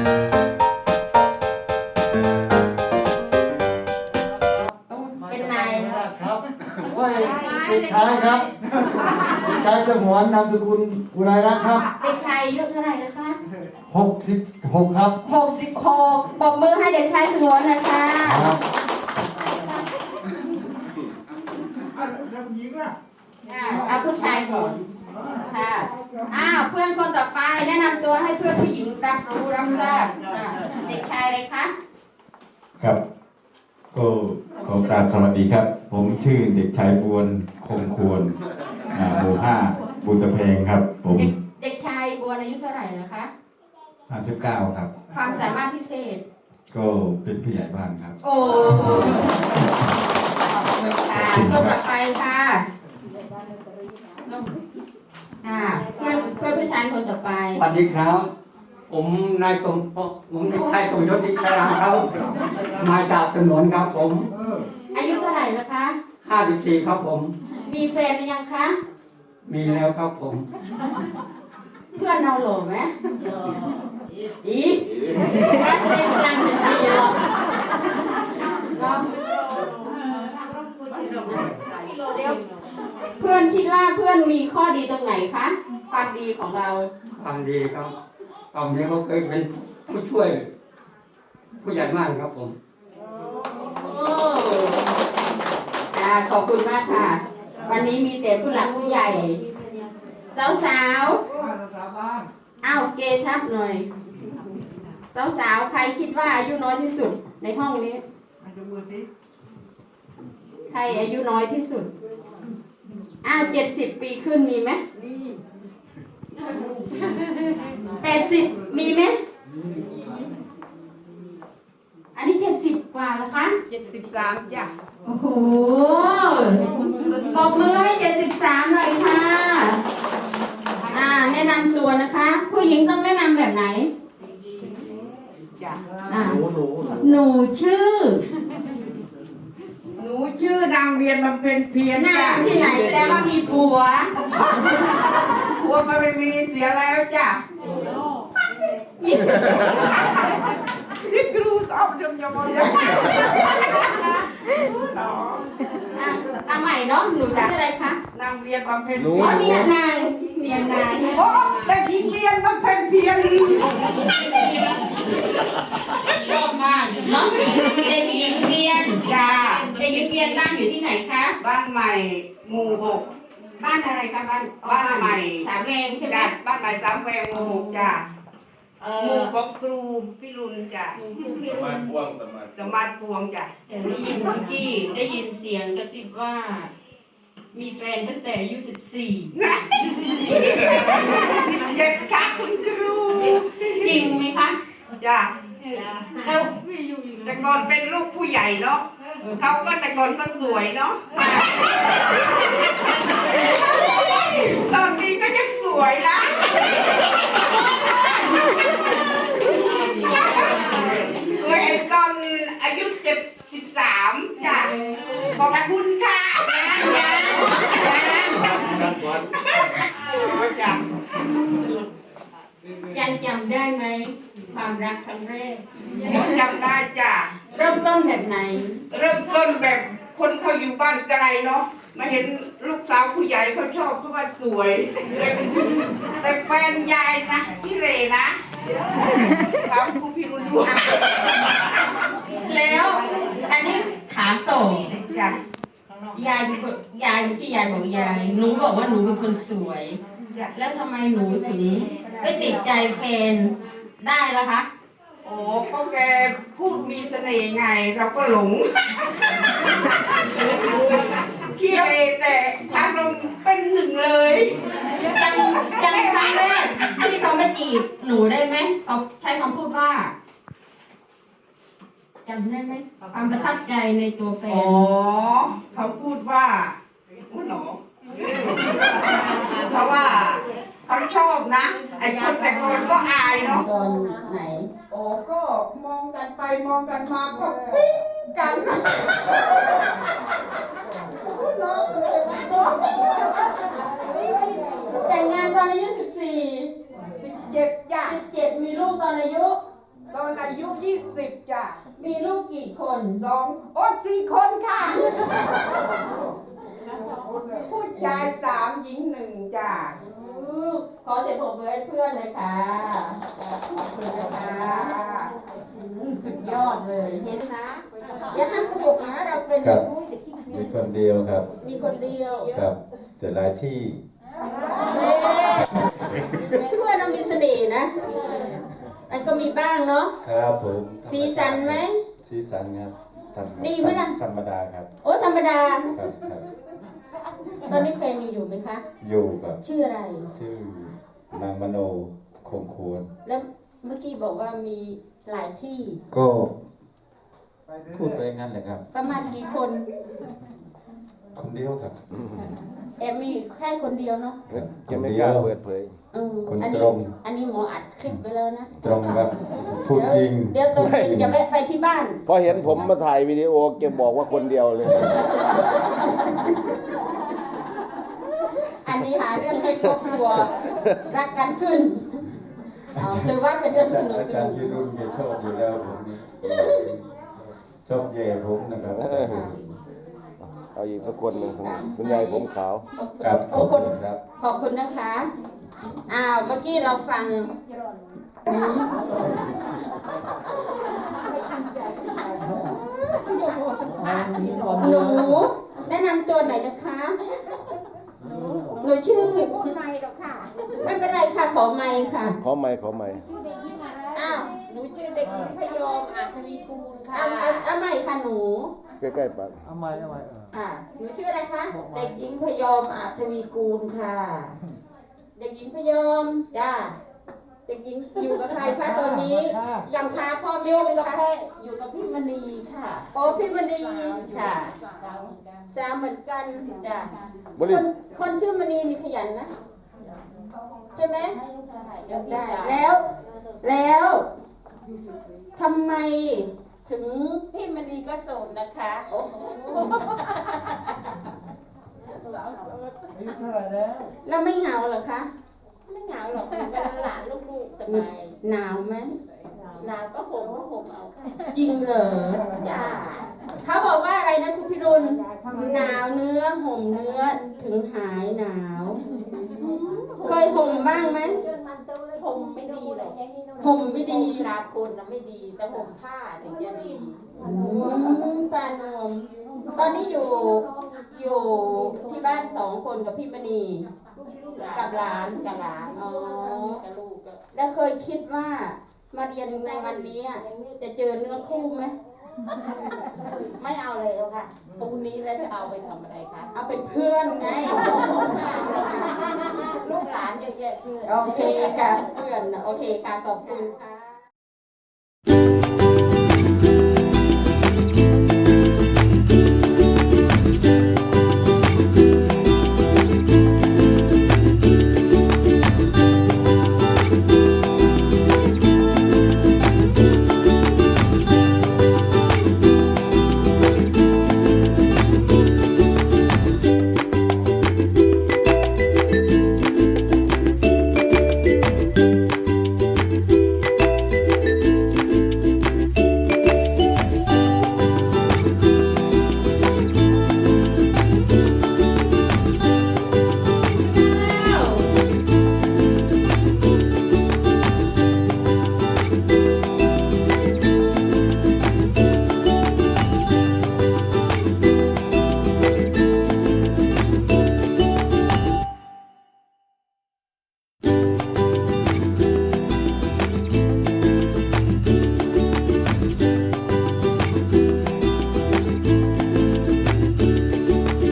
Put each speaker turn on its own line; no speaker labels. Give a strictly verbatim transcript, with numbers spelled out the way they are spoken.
เป็นนาย
ครับว่าเด็กชายครับเด็กชายสมวนนามสกุลอุไรรัตน์ครับ
เด็กชายอายุเท่าไหร่นะคะ
หกสิบหกครับ
หกสิบหกปรบมือให้เด็กชายสมวนหน่อยค่ะ
ครับ
เอาผู้ชายก่อนค่ะอ้าวเพื่อนคนต่อไปแนะนำตัวให้เพื่อนผู้หญิงรับรู้รับทราบเด็กชายอะไรคะ
ครับก็ขอกราบสวัสดีครับผมชื่อเด็กชายบวนคงควรหมู่ห้าบุญตะเพงครับผม
เด็กชายบวนอายุเท่าไหร่นะคะ
ห้าสิบเก้าครับ
ความสามารถพิเศษ
ก็เป็นผู้ใหญ่บ้านครับ
โอ้ขอบคุณค่ะคนต่อไปค่ะอ่าเพื่อนเพื่อนผู้ชายคนต่อไป
สวัสดีครับผมนายสมผมเด็กชายสมยศนิชรังครับมาจากสนวนครับผม
อายุเท่าไหร่นะคะ
ห้าสิบสี่ครับผม
มีแฟนหรือยังคะ
มีแล้วครับผม
เพื่อนเราหล่อไหมอีถ้าแสดงพลังเป็นดีหรอกเดี๋ยวเพื่อนคิดว่าเพื่อนมีข้อดีตรงไหนคะความดีของเรา
ความดีครับความนี้เขาเคยเป็นผู้ช่วยผู้ใหญ่บ้านครับผม
อ่าขอบคุณมากค่ะวันนี้มีแต่ผู้หลักผู้ใหญ่สาวสาวอ้าวเกทับหน่อยสาวสาวใครคิดว่าอายุน้อยที่สุดในห้องนี้ใครอายุน้อยที่สุดอ้าวเจ็ดสิบปีขึ้นมีไหมแปดสิบมีไหมอันนี้เจ็ดสิบกว่าแล้วคะ
เจ็ดสิบสามจ้ะ
โอ้โหปรบมือให้เจ็ดสิบสามหน่อยค่ะอ่าแนะนำตัวนะคะผู้หญิงต้องแนะนำแบบไหน
จ้ะ
อ่าหนูชื่อ
หนูชื่อนางเวียนบำเพ็ญเพียร
หน้าที่ไหนแสดงว่ามีผัว
ผัวก็ไม่มีเสียแล้วจ้ะนี่ครูสอบยมยมยม
เอาใหม่เนาะหนูชื่ออะไรคะ
นางเวียนบำเพ็ญ
อ๋อเนี่ยนางเวียนนาง
โอ้เด็กหญิงเวียนบำเพ็ญเพียร
ชอบมากเนาะเด็กหญิงเวียน
จ้า
เด็กหญิงเวียนบ้านอยู่ที่ไหนคะ
บ้านใหม่หมู่หก
บ้านอะไรคะบ้าน
บ้านใหม่
สามแวงใช่ไหม
บ้านใหม่สามแวงหมู่หกจ้าหมู่ของครูพี่รุนจ้ะ
ตะมัดพวง
ตะมัดพวงจ้ะ
แต่ได้ยินเมื่อกี้ได้ยินเสียงกระซิบว่ามีแฟนตั้งแต่อายุสิบสี่
เจ็ดค่ะคุณครู
จริงไหมคะ
จ้ะ
แล้ว
แต่ก่อนเป็นลูกผู้ใหญ่เนาะเขาก็แต่ก่อนก็สวยเนาะตอนนี้ก็ยังสวยนะสวยตอนอายุเจ็ดสิบสามจ้ะขอบคุณค่ะ
ยังจำได้ไหมความรักครั้งแรก
จำได้จ้ะ
เริ่มต้นแบบไหน
เริ่มต้นแบบคนเขาอยู่บ้านไกลเนาะมาเห็นลูกสาวผู้ใหญ่เขาชอบเขาว่าสวยแต่แฟนยายนะที่เรนะถามครูพี่รุ่นด้วย
แล้วอันนี้ถามต่อ
จ้ะ
ยายเป็นคนยายเมื่อกี้ยายบอกยายหนูบอกว่าหนูเป็นคนสวยแล้วทำไมหนูถึงไม่ติดใจแฟนได้ล่ะคะ
โอ้ก็แกพูดมีเสน่ห์ไงเราก็หลงที่เรแต่ทางลงเป็นหนึ่งเลย
จำจำครั้งแรกที่เขามาจีบหนูได้ไหมเขาใช้คำพูดว่าจำได้ไหมความประทับใจในตัวแฟน
อ๋อเขาพูดว่าหนอเพราะว่าเขาชอบนะไอ้คนแต่คนก็อายเนาะ
ตอนไหน
โอ้ก็มองกันไปมองกันมาก็ปิ๊งกัน
แต่งงานตอนอายุสิบสี่
สิบเจ็ดจ้ะ
สิบเจ็ดมีลูกตอนอายุ
ตอนอายุยี่สิบจ้ะ
มีลูกกี่คน
สองโอ้สี่คนค่ะ ผู้ชายสามหญิงหนึ่งจ้ะ
อู้ขอเสียงปรบมือให้เพื่อนเลยค่ะขอบคุณนะคะอืมสุดยอดเลยเห็นนะอย่าห้ามกระปุกนะเราเป็น
ครับ มีคนเดียวครับ
มีคนเดียว
ครับ แต่หลายที่
เอ๊ะเพื่อนเรามีเสน่ห์นะอันก็มีบ้างเนาะ
ครับผม
สีสันไหม
สีสันครับธรรม
ดีไหมล่ะ
ธรรมดาครับ
โอ้ธรรมดา
ครับครับ
ตอนนี้แฟนมีอยู่ไหมคะ
อยู่กับ
ชื่ออะไร
ชื่อนางมโนคงควร
แล้วเมื่อกี้บอกว่ามีหลายที่
ก็พูดไปงั้นแหละครับ
ประมาณกี่คน
คนเดียวครับ
แอบมีแค่คนเดียวเนาะ
จะไม่กล้าเปิดเผย
เออ
คน
อัน
ต
นี้
รง
อันนี้หมออัดคลิปไปแล้วนะ
ตรงครับ พูดจริง
เดี๋ยวตรงจริงจะแวะไปที่บ้าน
พอเห็นผมมาถ่ายวิดีโอแกบอกว่าคนเดียวเลย
อันนี้หาเรื่องให้ครอบครัวรักกันขึ้นเอาถือว่าเป็นเรื่องสนุก
อา
ส
จาร
นุ
ย์
ก
ที่รุ่นแกชอบอยู่แล้วผมนี่ชอบแย่ผมนะครับ
เอาอีกสักคนหนึ่งคุณยายผมขาว
ครับข
ข
อ
อ
บบ คุ
คุณ ณ
ครับ
ขอบคุณนะคะ อ้าว เมื่อกี้เราฟังหนูแนะนำตัวหน่อยนะคะ หนูชื่อ
ไม่พูดไม่หรอกค่ะ
ไม่เป็นไรค่ะ ขอไมค์ค่ะ
ขอไม่ขอไม่
อ้าว
หนูชื่อเด็กหญิงพยอมอาทวีกูลค่ะ
เอาเอาเอาใหม่ค่ะหนู
ใกล้ๆปาก
เอาไม้เอาไม้เออ
ค่ะ หนูชื่ออะไรคะ
เด็กหญิงพยอมอาทวีกูลค่ะ
เด็กหญิงพยอม
จ้า
เด็กหญิงอยู่กับใครคะตอนนี้ยังพาพ่อ
อ
แม่
ยู่
ไหม
กับ
คะ
แม่อยู่กับพี่มณีค่ะ
โอ้พี่มณี
ค่ะ
สามเหมือนกัน
จ้า
บ
ค
ริ
นคนชื่อมณีนี่ขยันนะ ใช่ไหม
ได้
ได้แล้ว แล้วทำไมถึง
พี่มณีก็โสดนะคะ
อายุเท่าไหร่แล้ว
แล้วไม่เหงาเหรอคะ
ไม่เหงาหรอกอยู่กับหลานลูกๆสบาย
หนาวไหม
หนาวก็ห่มก็ห่มเอาค่ะ
จริงเหรอ
จ้า
เขาบอกว่าอะไรนะคุณพิรุณหนาวเนื้อห่มเนื้อถึงหายหนาว เคยห่มบ้างไหม
ห่มไม่ดีหรอก
ห่มไม่ดี
ห่มราคนนะไม่ดี แต่ห่มผ้าถึงจะดี
อืมปานวมตอนนี้อยู่อยู่ที่บ้านสองคนกับพี่มณี กับหลาน
กับหลาน
อ๋อ
กับลูกก็
แล้วเคยคิดว่ามาเรียนในวันนี้อะจะเจอเนื้อคู่ไหม
ไม่เอาเลยเอาค่ะพรุ่งนี้แล้วจะเอาไปทำอะไรคะ
เอาเป็นเพื่อนไง
ลูกหลานเยอะแยะเพื่อน
โอเคค่ะเพื่อนนะโอเคค่ะขอบคุณค่ะ